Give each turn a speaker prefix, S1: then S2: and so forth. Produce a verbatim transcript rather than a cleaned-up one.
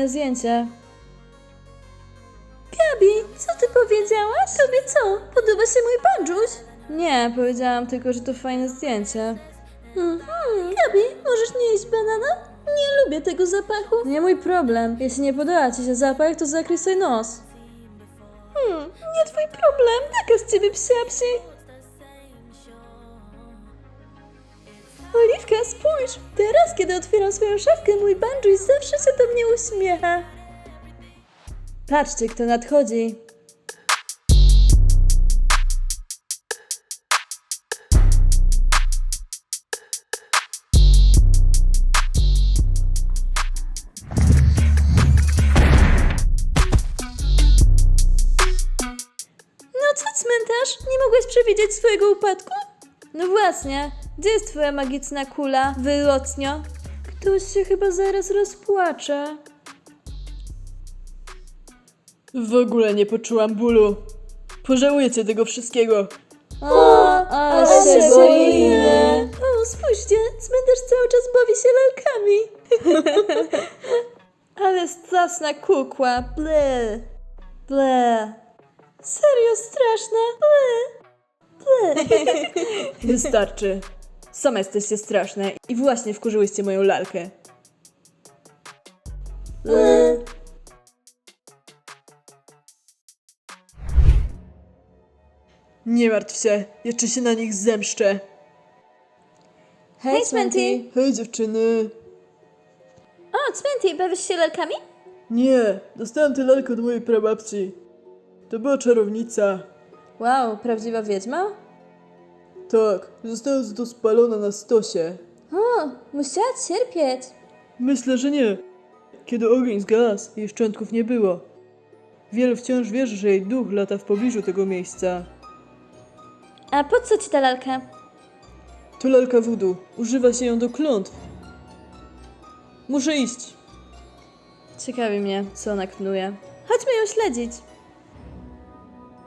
S1: fajne zdjęcie.
S2: Gabi, co ty powiedziałaś? Tobie co? Podoba się mój bandżuś?
S1: Nie, powiedziałam tylko, że to fajne zdjęcie.
S2: Mhm. Gabi, możesz nie jeść banana? Nie lubię tego zapachu.
S1: Nie mój problem. Jeśli nie podoba ci się zapach, to zakryj sobie nos.
S2: Hmm, nie twój problem. Taka z ciebie psiapsi. Oliwka, spójrz. Teraz, kiedy otwieram swoją szafkę, mój bandżuś zawsze się do mnie uśmiecha.
S1: Patrzcie, kto nadchodzi.
S2: No co, cmentarz? Nie mogłeś przewidzieć swojego upadku?
S1: No właśnie, gdzie jest twoja magiczna kula, wylotnio? Ktoś się chyba zaraz rozpłacze.
S3: W ogóle nie poczułam bólu. Pożałujecie tego wszystkiego.
S1: O, ale
S2: się
S1: się
S2: boimy.
S1: boimy.
S2: O, spójrzcie, cmentarz cały czas bawi się lalkami.
S1: Ale straszna kukła, ble, ble.
S2: Serio straszna. Ble.
S3: Wystarczy. Same jesteście straszne i właśnie wkurzyłyście moją lalkę.
S1: ble.
S3: Nie martw się, jeszcze się na nich zemszczę.
S1: Hej,
S2: Smenty.
S1: Smenty.
S3: Hej dziewczyny.
S2: O, Cmenty, bawisz się lalkami?
S3: Nie, dostałem tę lalkę od mojej prababci. To była czarownica.
S1: Wow, prawdziwa wiedźma?
S3: Tak, została za to spalona na stosie.
S2: O, musiała cierpieć.
S3: Myślę, że nie. Kiedy ogień zgasł, jej szczątków nie było. Wielu wciąż wierzy, że jej duch lata w pobliżu tego miejsca.
S2: A po co ci ta lalka?
S3: To lalka voodoo. Używa się ją do klątw. Muszę iść.
S1: Ciekawi mnie, co ona knuje.
S2: Chodźmy ją śledzić.